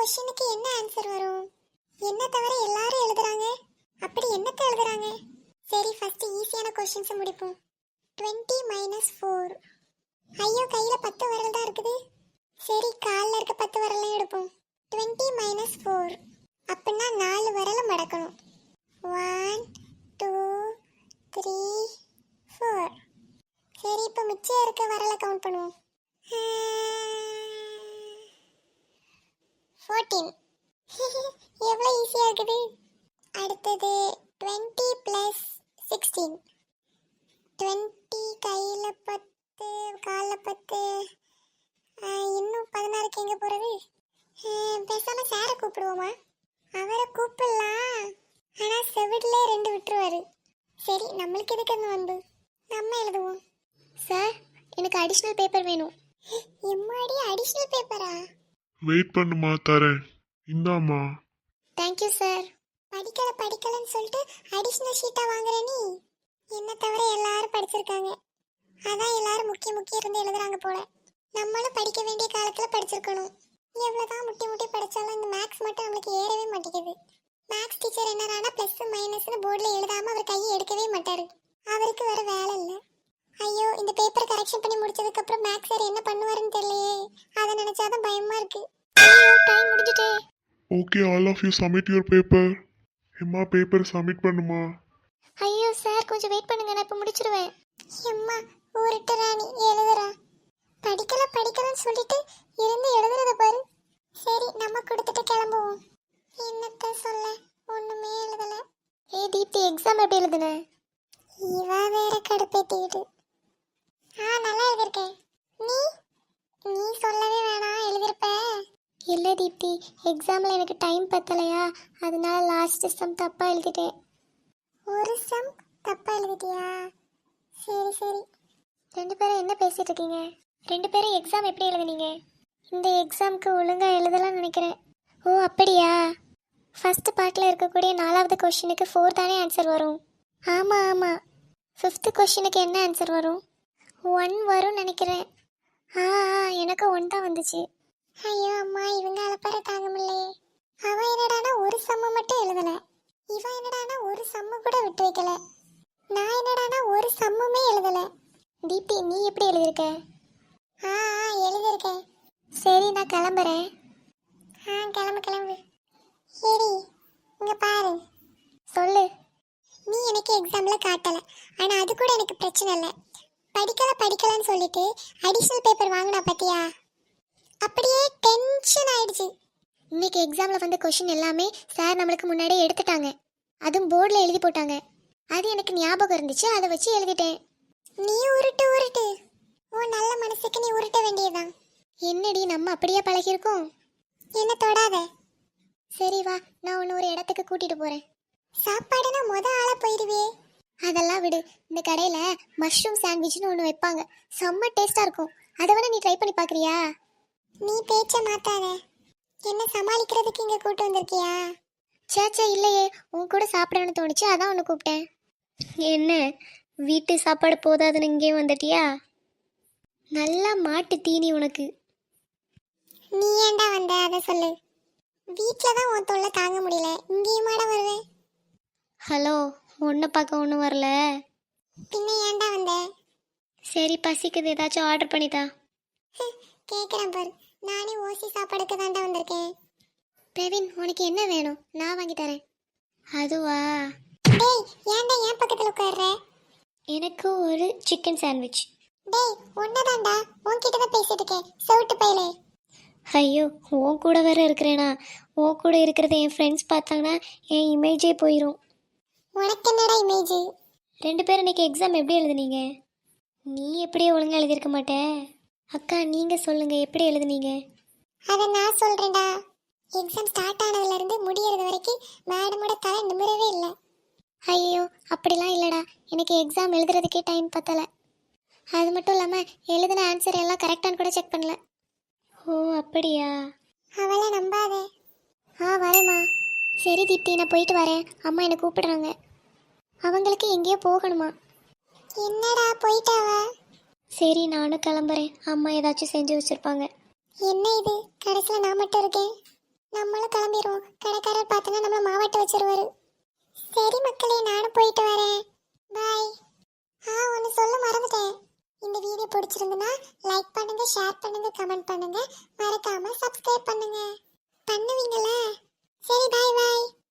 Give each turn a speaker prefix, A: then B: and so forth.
A: क्वेश्चனுக்கு என்ன ஆன்சர் வரும்? என்ன தவிர எல்லாரும் எழுதுறாங்க. அப்படி என்னத்தை எழுதுறாங்க? சரி ஃபர்ஸ்ட் ஈஸியான क्वेश्चंस முடிப்போம். 20 - 4. ஐயோ கையில 10 விரல் தான் இருக்குது. சரி கால்ல இருக்க 10 விரலையும் எடுப்போம். 20 - 4 அப்படின்னா 4 விரல மடக்கணும். 1 2 3 4. சரி இப்போ மிச்சம் இருக்க விரலை கவுண்ட் பண்ணுவோம். 14. எவ்வளோ ஈஸியாக இருக்குது. அடுத்தது 20 + 16. 20 கையில் 10 காலில் 10. இன்னும் 16க்கு எங்கே போகிறது? பேசாமல் சாரை கூப்பிடுவோமா? அவரை கூப்பிடலாம், ஆனால் செவிடில் 2 விட்டுருவாரு. சரி நம்மளுக்கு எதுக்கு அந்த வந்து நம்ம எழுதுவோம். சார் எனக்கு அடிஷ்னல் பேப்பர் வேணும். எம்மாடி அடிஷ்னல் பேப்பரா?
B: வெயிட் பண்ணுமா, தரேன். இந்தாம்மா.
A: Thank you sir. படிக்கலன்னு சொல்லிட்டு அடிஷ்னல் ஷீட்டாக வாங்குற நீ? என்ன தவிர எல்லாரும் படிச்சிருக்காங்க, அதான் எல்லாரும் முக்கிய இருந்து எழுதுறாங்க போல. நம்மளும் படிக்க வேண்டிய காலத்தில் படிச்சிருக்கணும். எவ்வளோதான் முட்டி படித்தாலும் இந்த மேக்ஸ் மட்டும் நம்மளுக்கு ஏறவே மாட்டேங்குது. மேக்ஸ் டீச்சர் என்னன்னா ப்ளஸ் மைனஸ்னு போர்டில் எழுதாமல் அவர் கையை எடுக்கவே மாட்டார். அவருக்கு வேறு வேலை இல்லை. ஐயோ இந்த பேப்பரை கரெக்ஷன் பண்ணி முடிச்சதுக்கப்புறம் மேக்ஸ் சார் என்ன பண்ணுவாருன்னு தெரியலையே. அதை நினச்சாதான் பயமாக இருக்கு. ஐயோ டைம் முடிஞ்சிட்டே.
B: Okay, all of you submit your paper. எம்மா பேப்பர் சப்மிட் பண்ணுமா.
A: ஐயோ சார் கொஞ்சம் வெயிட் பண்ணுங்க, நான் இப்போ முடிச்சிருவேன். எம்மா ஊருட்டு ராணி எழுதுறா. படிக்கலன்னு சொல்லிட்டு இருந்து எழுதுறத பாரு. சரி நம்ம கொடுத்துட்டு கிளம்புவோம். என்னத்த சொல்ல, ஒண்ணுமே எழுதல. தீப்தி எக்ஸாம் எப்படி எழுதுன? இவா வேற கடுப்பேத்திக்கிட்டு. நல்லா எழுதிருக்கேன். நீ சொல்லவே வேணாம், எழுதிருப்ப. இல்லை தீப்தி, எக்ஸாமில் எனக்கு டைம் பத்தலையா, அதனால லாஸ்ட் சம் தப்பாக எழுதிட்டேன். ஒரு சம் தப்பாக எழுதிட்டியா? சரி. 2 பேரும் என்ன பேசிட்டு இருக்கீங்க? 2 பேரும் எக்ஸாம் எப்படி எழுதுனீங்க? இந்த எக்ஸாமுக்கு ஒழுங்காக எழுதலாம்னு நினைக்கிறேன். ஓ அப்படியா? ஃபர்ஸ்ட் பார்ட்டில் இருக்கக்கூடிய 4வது கொஷினுக்கு 4 தானே ஆன்சர் வரும்? ஆமாம். 5th கொஷினுக்கு என்ன ஆன்சர் வரும்? 1 வரும்னு நினைக்கிறேன். எனக்கு 1 தான் வந்துச்சு. ஐயோ அம்மா, இவங்க அலப்பற தாங்க முடியலையே. அவன் என்னடானா ஒரு சம்மு மட்டும் எழுதல, இவன் என்னடானா ஒரு சம்மு கூட விட்டு வைக்கல, நான் என்னடானா ஒரு சம்முமே எழுதல. தீப்தி நீ எப்படி எழுதியிருக்க? எழுதியிருக்கேன். சரி நான் கிளம்புறேன். கிளம்பு. சரி இங்க பாரு. சொல்லு. நீ எனக்கு எக்ஸாம்ல காட்டல, ஆனா அது கூட எனக்கு பிரச்சனை இல்லை. படிக்கலன்னு சொல்லிட்டு அடிஷனல் பேப்பர் வாங்கினா பத்தியா? அப்படியே டென்ஷன் ஆயிடுச்சு. இன்னைக்கு எக்ஸாம்ல வந்த கொஷின் எல்லாமே சார் நம்மளுக்கு முன்னாடியே எடுத்துட்டாங்க, அதுவும் போர்டில் எழுதி போட்டாங்க. அது எனக்கு ஞாபகம் இருந்துச்சு, அதை வச்சு எழுதிட்டேன். நீ உருட்டு. ஓ நல்ல மனசுக்கு நீ உருட்ட வேண்டியதுதான். என்னடி நம்ம அப்படியே பழகிருக்கோம். என்ன தொடாத. சரி வா, நான் உன்னை ஒரு இடத்துக்கு கூட்டிட்டு போறேன். சாப்பாடுனா ஆளா போயிடுவே. அதெல்லாம் விடு, இந்த கடையில மஷ்ரூம் சாண்ட்விச்னு ஒன்று வைப்பாங்க, செம்ம டேஸ்டா இருக்கும். அதை வேணா நீ ட்ரை பண்ணி பார்க்கறியா? நீ பேச்ச மாத்தாத. என்ன சமாளிக்கிறதுக்கு இங்க கூட்டு வந்திருக்கியா? சேச்சா இல்லையே, உன் கூட சாப்பிடணும்னு தோணுச்சு, அதான் உன்னை கூப்பிட்டேன்.
C: என்ன வீட்டு சாப்பாடு போதாதுன்னு இங்கே வந்துட்டியா? நல்லா மாட்டு தீனி உனக்கு.
A: நீ ஏன்டா வந்த அதை சொல்லு. வீட்டில் தான் உன் தொல்லை தாங்க முடியல, இங்கேயுமாட வருவேன்.
C: ஹலோ, ஒன்றை பார்க்க ஒன்றும் வரல.
A: பின்ன ஏன்டா வந்த?
C: சரி பசிக்குது, ஏதாச்சும் ஆர்டர் பண்ணித்தா.
A: கேட்குறேன் பாரு, நானே ஓசி சாப்பாடுக்கு தாண்டா வந்திருக்கேன்.
C: பிரவீன் உனக்கு என்ன வேணும், நான் வாங்கி தரேன். அதுவா?
A: டேய் ஏன்டா என் பக்கத்தில் உட்கார்ற?
C: எனக்கு ஒரு சிக்கன் சாண்ட்விச்.
A: டேய் ஒன்னதாண்டா, உன்கிட்ட தான் பேசிட்டு இருக்கேன், செவிட்டு பையலே.
C: ஐயோ உன் கூட வேற இருக்கிறேனா? உன் கூட இருக்கிறத என் ஃப்ரெண்ட்ஸ் பார்த்தாங்கன்னா என் இமேஜே போயிடும்.
A: உனக்கு என்னடா இமேஜ்?
C: 2 பேரும் இன்னைக்கு எக்ஸாம் எப்படி எழுதுனீங்க? நீ எப்படியே ஒழுங்காக எழுதியிருக்க மாட்டே. அக்கா நீங்கள் சொல்லுங்கள், எப்படி எழுதுனீங்க?
A: அதை நான் சொல்கிறேன்டா. எக்ஸாம் ஸ்டார்ட் ஆனதுலேருந்து முடியறது வரைக்கும் மேடமோட தலை நிமிரவே இல்லை.
C: ஐயோ அப்படிலாம் இல்லைடா, எனக்கு எக்ஸாம் எழுதுறதுக்கே டைம் பத்தலை. அது மட்டும் இல்லாமல் எழுதின ஆன்சர் எல்லாம் கரெக்டானு கூட செக் பண்ணல. ஓ அப்படியா?
A: அவளை நம்பாதே.
C: வரேம்மா. சரி தீப்தி, நான் போயிட்டு வரேன், அம்மா என்னை கூப்பிடுறாங்க. அவங்களுக்கு எங்கேயோ போகணுமா?
A: என்னடா போயிட்டாவ?
C: சரி நானும் கிளம்புறேன், அம்மா ஏதாச்சும் செஞ்சு வச்சுருப்பாங்க.
A: என்ன இது கடைசியில் நான் மட்டும் இருக்கேன்? நம்மளும் கிளம்பிடுவோம். கடைக்காரர் பார்த்தனா நம்மள மாவாட்ட வச்சிருவாரு. சரி மக்களே, நானும் போயிட்டு வரேன். பாய். ஒன்று சொல்ல மறந்துட்டேன். இந்த வீடியோ பிடிச்சிருந்துன்னா லைக் பண்ணுங்க, ஷேர் பண்ணுங்க, கமெண்ட் பண்ணுங்க. மறக்காம சப்ஸ்கிரைப் பண்ணுங்க. பண்ணுவீங்களா? சரி, பாய் பாய்.